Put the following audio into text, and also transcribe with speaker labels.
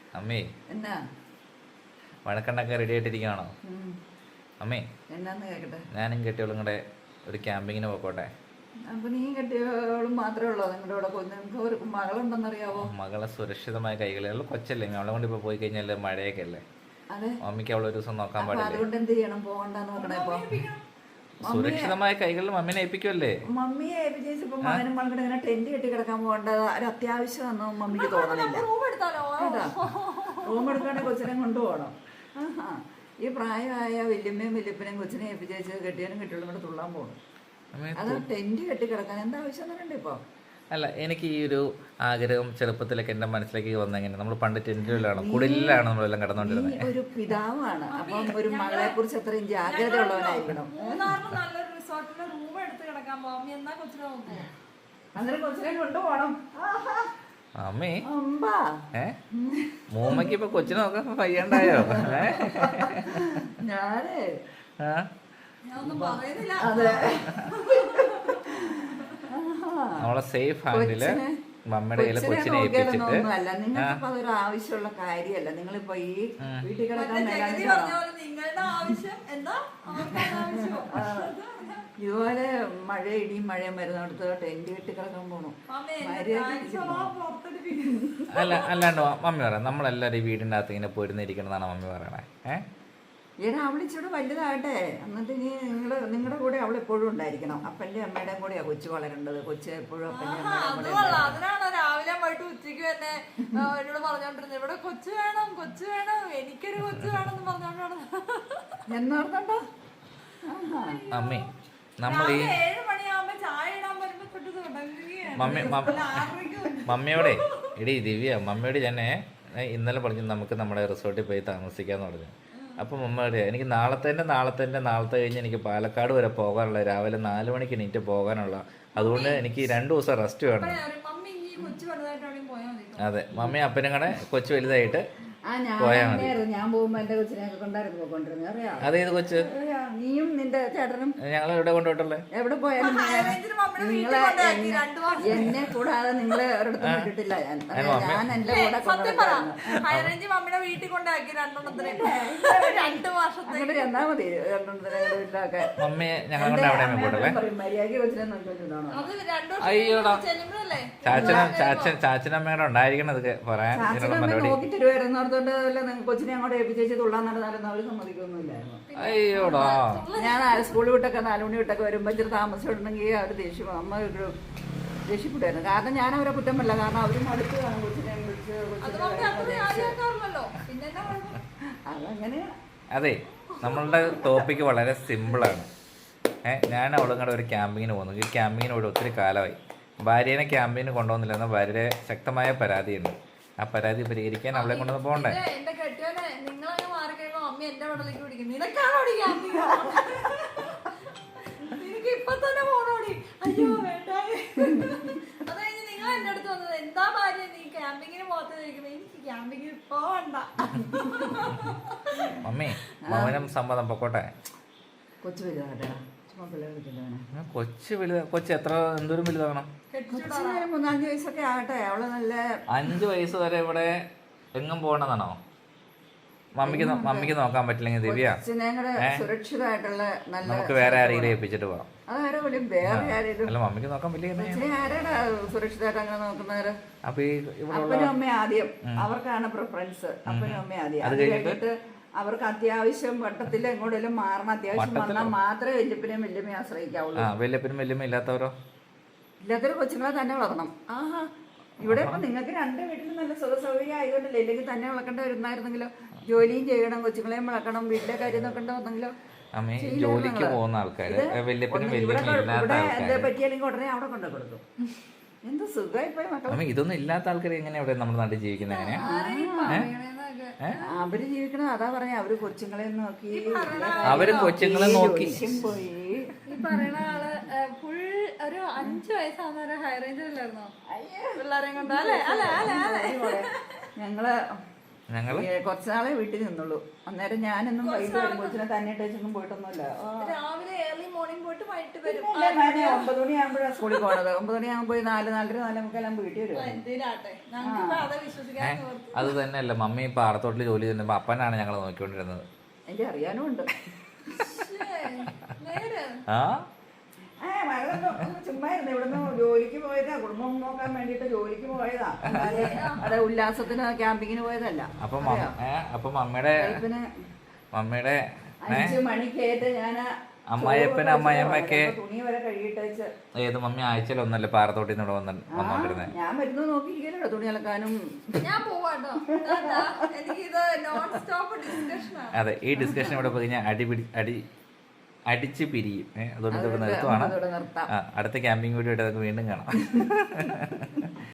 Speaker 1: അമ്മേ
Speaker 2: എന്നാ
Speaker 1: വഴക്കണ്ടൊക്കെ റെഡി ആയിട്ടിരിക്കുകയാണോ? അമ്മേ
Speaker 2: എന്നാന്ന് കേക്കട്ടെ.
Speaker 1: ഞാനും കെട്ടിയോളും കൂടെ ഒരു ക്യാമ്പിങ്ങിന് പോയിക്കോട്ടെ?
Speaker 2: അപ്പൊ നീ കെട്ടിയോളും മാത്രമേ ഉള്ളോ നിങ്ങളുടെ കൂടെ? നിങ്ങൾക്ക് ഒരു മകളുണ്ടെന്നറിയാവോ?
Speaker 1: മകളെ സുരക്ഷിതമായ കൈകളിൽ കൊച്ചല്ലേ, അവളെ കൊണ്ട് ഇപ്പോൾ പോയി കഴിഞ്ഞാൽ മഴയൊക്കെ അല്ലേ,
Speaker 2: അതെ.
Speaker 1: മമ്മിക്ക് അവളെ ഒരു ദിവസം നോക്കാൻ
Speaker 2: അപ്പൊ
Speaker 1: പാടില്ലേ?
Speaker 2: അതുകൊണ്ട് എന്ത് ചെയ്യണം? പോകണ്ടെന്ന് നോക്കണേ. ഇപ്പൊ
Speaker 1: സുരക്ഷിതമായ കൈകളിൽ മമ്മീനെ ഏൽപ്പിക്കുമല്ലേ?
Speaker 2: മമ്മിയെ ഏൽപ്പിച്ചപ്പോ മകനും മകളുടെ ഇങ്ങനെ ടെന്റ് കെട്ടി കിടക്കാൻ പോകേണ്ട ഒരു അത്യാവശ്യമൊന്നും മമ്മിക്ക് തോന്നണില്ല. റൂം എടുക്കാണെങ്കിൽ കൊച്ചിനെ കൊണ്ടുപോകണം. ആഹാ, ഈ പ്രായമായ വല്യമ്മയും വല്യപ്പനെയും കൊച്ചിനെ ഏൽപ്പിച്ചേച്ച് കെട്ടിയാനും കെട്ടിയോളും കൂടെ തുള്ളാൻ പോകണം. അത് ടെന്റ് കെട്ടി കിടക്കാൻ എന്താ ആവശ്യം എന്നറിയണ്ടേ ഇപ്പൊ?
Speaker 1: അല്ല, എനിക്ക് ഈ ഒരു ആഗ്രഹം ചെറുപ്പത്തിലൊക്കെ എന്റെ മനസ്സിലേക്ക് വന്നെങ്ങനെ, നമ്മൾ പണ്ട് ടെന്റിലാണ് കുടിലാണ് നമ്മളെല്ലാം കിടന്നുകൊണ്ടിരുന്നത്.
Speaker 2: ഒരു പിതാവാണ്, അപ്പം ഒരു മകളെ കുറിച്ച് അത്രയും ജാഗ്രത ഉള്ളവനായിരിക്കണം. അന്നേരം കൊച്ചിനെ കൊണ്ടുപോകണം.
Speaker 1: അമ്മേ
Speaker 2: അമ്പാ
Speaker 1: മൂമ്മക്ക് ഇപ്പൊ കൊച്ചിനെ നോക്കാൻ വയ്യണ്ടായോ?
Speaker 2: ഞാനേ
Speaker 1: അതെ, നമ്മളെ സേഫ് ഹാൻഡില് മമ്മയുടെ കയ്യില് കൊച്ചിനെ ഏൽപ്പിച്ചിട്ട്.
Speaker 2: അല്ല, നിങ്ങൾക്ക് അതൊരു ആവശ്യമുള്ള കാര്യമല്ല. നിങ്ങളിപ്പോ ഈ വീട്ടിൽ കിടക്കാൻ ഇതുപോലെ മഴ ഇടിയും മഴയും വരുന്നിടത്ത് ടെന്റ് കെട്ടി കിടക്കാൻ പോണു.
Speaker 1: അല്ലാണ്ട് മമ്മി പറയാം, നമ്മളെല്ലാരും ഈ വീടിന്റെ അകത്ത് ഇങ്ങനെ പോയിരുന്നിരിക്കണമെന്നാണ് മമ്മി പറയണേ.
Speaker 2: ഏടാ, അവളിച്ചൂടെ വലുതാകട്ടെ, എന്നിട്ട് ഇനി നിങ്ങളുടെ കൂടെ അവൾ എപ്പോഴും ഉണ്ടായിരിക്കണം. അപ്പന്റെ അമ്മയുടെയും കൂടെയാ കൊച്ചു വളരേണ്ടത്. കൊച്ചു എപ്പോഴും അപ്പന്റെ അമ്മയുടെ കൂടെ.
Speaker 3: അതിനാണ് രാവിലെ പോയിട്ട് ഉച്ചയ്ക്ക് തന്നെ എന്നോട് പറഞ്ഞോണ്ടിരുന്നത്, ഇവിടെ കൊച്ചു വേണം, കൊച്ചു വേണം, എനിക്കൊരു കൊച്ചു വേണം എന്ന് പറഞ്ഞോണ്ടാണ്.
Speaker 2: എന്നോർത്തണ്ടോ
Speaker 1: അമ്മേ, നമ്മൾ ഈ
Speaker 3: 7 മണിയാകുമ്പോ ചായ ഇടാൻ വരുമ്പോ
Speaker 1: മമ്മിയോടെ എടി ദിവ്യ, മമ്മിയോട് ഞാൻ ഇന്നലെ പറഞ്ഞു നമുക്ക് നമ്മുടെ റിസോർട്ടിൽ പോയി താമസിക്കാന്ന് പറഞ്ഞു. അപ്പം മമ്മയോട് എനിക്ക് നാളത്തെ കഴിഞ്ഞ് എനിക്ക് പാലക്കാട് വരെ പോകാനുള്ള, രാവിലെ 4 മണിക്ക് എണീറ്റ് പോകാനുള്ള, അതുകൊണ്ട് എനിക്ക് 2 ദിവസം റെസ്റ്റ് വേണം. അതെ, മമ്മി അപ്പനും കൂടെ കൊച്ചു വലുതായിട്ട് പോയാൽ മതി.
Speaker 2: ഞാൻ പോകുമ്പോ എന്റെ കൊച്ചിനെ കൊണ്ടായിരുന്നു പോയിക്കൊണ്ടിരുന്നത്, അറിയാം.
Speaker 1: അതേത് കൊച്ച്?
Speaker 2: നീയും നിന്റെ ചേട്ടനും
Speaker 1: ഞങ്ങൾ എവിടെ കൊണ്ടുപോയിട്ടുള്ളേ?
Speaker 2: എവിടെ പോയാലും നിങ്ങളെ എന്നെ കൂടാതെ നിങ്ങളെ ഒരിടത്തും വിട്ടിട്ടില്ല. ഞാൻ എന്റെ കൂടെ
Speaker 3: വീട്ടിൽ കൊണ്ടാക്കി 2 വർഷത്തെ
Speaker 2: എന്നാ മതി. 2 വീട്ടിലൊക്കെ
Speaker 1: മമ്മിയെ ഞങ്ങൾ കൊണ്ട് അവിടെ പോയിട്ടല്ലേ?
Speaker 2: മര്യാദ കൊച്ചിനെ നോക്കിക്കൊണ്ടിരുന്നോ?
Speaker 1: അയ്യോടാ, ചാച്ചനമ്മയുടെ ഉണ്ടായിരിക്കണം ഇതൊക്കെ പറയാൻ.
Speaker 2: നോക്കി തരുമായിരുന്നോർത്തോണ്ട് കൊച്ചിനെ അങ്ങോട്ട് ഏൽപ്പിച്ചേച്ച് തുള്ളാൻ നടന്നാലും അവര് സമ്മതിക്കൊന്നുമില്ലായിരുന്നു.
Speaker 1: അയ്യോടാ,
Speaker 2: ഞാൻ സ്കൂളിൽ വിട്ടൊക്കെ 4 മണി വിട്ടൊക്കെ വരുമ്പോ ഇച്ചിരി താമസിച്ചിട്ടുണ്ടെങ്കിൽ അവർ അമ്മ ഒരു ദേഷ്യപ്പെട്ടായിരുന്നു. കാരണം ഞാൻ അവരെ കുറ്റം പറ്റില്ല, കാരണം അവരും അടുത്ത് കാണും കൊച്ചിനെ വിളിച്ച് അതങ്ങനെ.
Speaker 1: അതെ, നമ്മളുടെ ടോപ്പിക്ക് വളരെ സിമ്പിളാണ്. ഞാൻ അവളും കൂടെ ഒരു ക്യാമ്പിങ്ങിന് പോകുന്നു. ഈ ക്യാമ്പിങ്ങിന് ഇവിടെ ഒത്തിരി കാലമായി. ഭാര്യനെ ക്യാമ്പിങ്ങിന് കൊണ്ടുപോകുന്നില്ലെന്ന് ഭാര്യയുടെ ശക്തമായ പരാതിയുണ്ട്. ആ പരാതി പരിഹരിക്കാൻ അവളെ കൊണ്ടുവന്ന് പോകണ്ടേ?
Speaker 3: എന്റെ കെട്ടിയോനെ നിങ്ങളങ്ങ് മാറി കഴിയുമ്പോ അമ്മ എന്റെ വടലേക്ക് പിടിക്കും. നിനക്ക് ഇപ്പൊ തന്നെ പോണോടി. അയ്യോ വേണ്ട. അത് കഴിഞ്ഞ് നിങ്ങൾ എന്റെ അടുത്ത് വന്നത്, എന്താ ഭാര്യ നീ ക്യാമ്പിങ്ങിന് പോകാത്ത ചോദിക്കുമ്പോ, എനിക്ക് ക്യാമ്പിങ്ങിന് പോവണ്ട.
Speaker 1: മമ്മി മൗനം സമ്മതം പൊക്കോട്ടെ.
Speaker 2: കൊച്ചു വലുതാകട്ടെ.
Speaker 1: കൊച്ചു എത്ര എന്തോരം വലുതാകണം?
Speaker 2: 3-4 വയസ്സൊക്കെ ആകട്ടെ. അവള് നല്ല
Speaker 1: 5 വയസ്സ് വരെ ഇവിടെ എങ്ങും പോകണമെന്നാണോ? മമ്മിക്ക് നോക്കാൻ പറ്റില്ലെങ്കിൽ ദിവ്യ
Speaker 2: സുരക്ഷിതമായിട്ടുള്ള നല്ല
Speaker 1: നമുക്ക് വേറെ ആരെങ്കിലും ഏൽപ്പിച്ചിട്ട് പോവാം.
Speaker 2: വേറെ
Speaker 1: മമ്മിക്ക് നോക്കാൻ പറ്റില്ല.
Speaker 2: ആരാടാ സുരക്ഷിതമായിട്ട് അങ്ങനെ നോക്കുന്നവര്?
Speaker 1: അപ്പൊ
Speaker 2: അപ്പനും അമ്മയും ആദ്യം, അവർക്കാണ് പ്രിഫറൻസ്. അപ്പനും അമ്മയും ആദ്യം. അത് കഴിഞ്ഞിട്ട് അവർക്ക് അത്യാവശ്യം വട്ടത്തിൽ എങ്ങോട്ടെങ്കിലും മാറണം. അത്യാവശ്യം വന്നാൽ മാത്രമേ വല്യപ്പനെയും വല്യമ്മയും ആശ്രയിക്കാവുള്ളൂ.
Speaker 1: വല്യപ്പനും വല്യമ്മ ഇല്ലാത്തവരോ?
Speaker 2: ഇല്ലാത്തൊരു കൊച്ചുങ്ങളെ തന്നെ വളർത്തണം. ആഹാ, ഇവിടെ ഇപ്പൊ നിങ്ങൾക്ക് 2 വീട്ടിലും നല്ല സുഖ സൗകര്യം ആയതുകൊണ്ടല്ലേ. ഇല്ലെങ്കിൽ തന്നെ വളർക്കേണ്ട വരുന്നായിരുന്നെങ്കിലോ. ജോലിയും ചെയ്യണം, കൊച്ചുങ്ങളെയും വളർക്കണം, വീട്ടിലെ കാര്യം നോക്കേണ്ട വന്നെങ്കിലോ.
Speaker 1: ജോലിക്ക് പോകുന്ന ആൾക്കാര്
Speaker 2: എന്താ പറ്റിയാലെങ്കിൽ ഉടനെ അവിടെ കൊണ്ടു കൊടുക്കും. എന്ത് സുഖമായി മക്കളെ.
Speaker 1: ഇതൊന്നും ഇല്ലാത്ത ആൾക്കാർ എങ്ങനെയാ ഇവിടെ നമ്മുടെ നാട്ടിൽ ജീവിക്കുന്നത്? എങ്ങനെയാ
Speaker 2: അവര് ജീവിക്കണം? അതാ പറയാ, അവര് കൊച്ചുങ്ങളെ നോക്കി പോയി.
Speaker 3: ഈ പറയണ ആള് ഫുൾ ഒരു 5 വയസ്സാവുന്ന ഹൈ റേഞ്ചിലായിരുന്നോ പിള്ളേരെയും കൊണ്ട്?
Speaker 2: ഞങ്ങള് കുറച്ചുനാളെ വീട്ടിൽ നിന്നുള്ളൂ. അന്നേരം ഞാനൊന്നും വൈകിട്ട് കൊച്ചിനെ തന്നെ ഇട്ടൊന്നും പോയിട്ടൊന്നുമില്ല.
Speaker 3: രാവിലെ ഏർലി മോർണിംഗ് പോയിട്ട് വൈകിട്ട് വരും.
Speaker 2: ഞാൻ 9 മണിയാകുമ്പോഴാണ് സ്കൂളിൽ പോണത്. 9 മണിയാകുമ്പോൾ 4, 4:30, 4:45 വീട്ടിൽ വരും.
Speaker 3: എന്തിനാട്ടെ ഞങ്ങൾക്ക് അത് വിശ്വസിക്കാൻ ഓർത്തു.
Speaker 1: അത് തന്നെയല്ല മമ്മി പാടത്തോട്ടിൽ ജോലി ചെയ്യുമ്പോൾ അപ്പനാണ് ഞങ്ങൾ നോക്കിക്കൊണ്ടിരുന്നത്.
Speaker 2: എനിക്ക് അറിയാനും ഉണ്ട്.
Speaker 3: നേരെ
Speaker 1: ആ
Speaker 2: ചുമ്മാ ഇരുന്ന് ഇവിടുന്ന് ജോലിക്ക് പോയതാ, കുടുംബം നോക്കാൻ വേണ്ടിട്ട് ജോലിക്ക് പോയതാ. അതെ, ഉല്ലാസത്തിന് ക്യാമ്പിങ്ങിന് പോയതല്ല.
Speaker 1: അപ്പൊ മമ്മിയുടെ
Speaker 2: 5 മണിക്കേറ്റ് ഞാൻ
Speaker 1: അമ്മായിയമ്മയൊക്കെ
Speaker 2: തുണി വരെ കഴുകിയിട്ട് വെച്ച്.
Speaker 1: ഏത് മമ്മി ആഴ്ചയിൽ ഒന്നല്ലേ പാറത്തോട്ടിൽ നിന്ന് വന്നോണ്ടിരുന്നേ?
Speaker 2: ഞാൻ വരുന്നു നോക്കിയിരിക്കല്ലോ തുണി അലക്കാനും.
Speaker 3: ഞാൻ പോവാട്ടോ. എനിക്കിത് നോൺ സ്റ്റോപ്പ് ഡിസ്കഷനാണ്.
Speaker 1: അതെ, ഈ ഡിസ്കഷൻ ഇവിടെ പോയി ഞാൻ അടിച്ച് പിരിയും. അതുകൊണ്ട് ഇവിടെ നിർത്തുവാണ്. അടുത്ത ക്യാമ്പിംഗ് വീഡിയോ ആയിട്ട് നമുക്ക് വീണ്ടും കാണാം.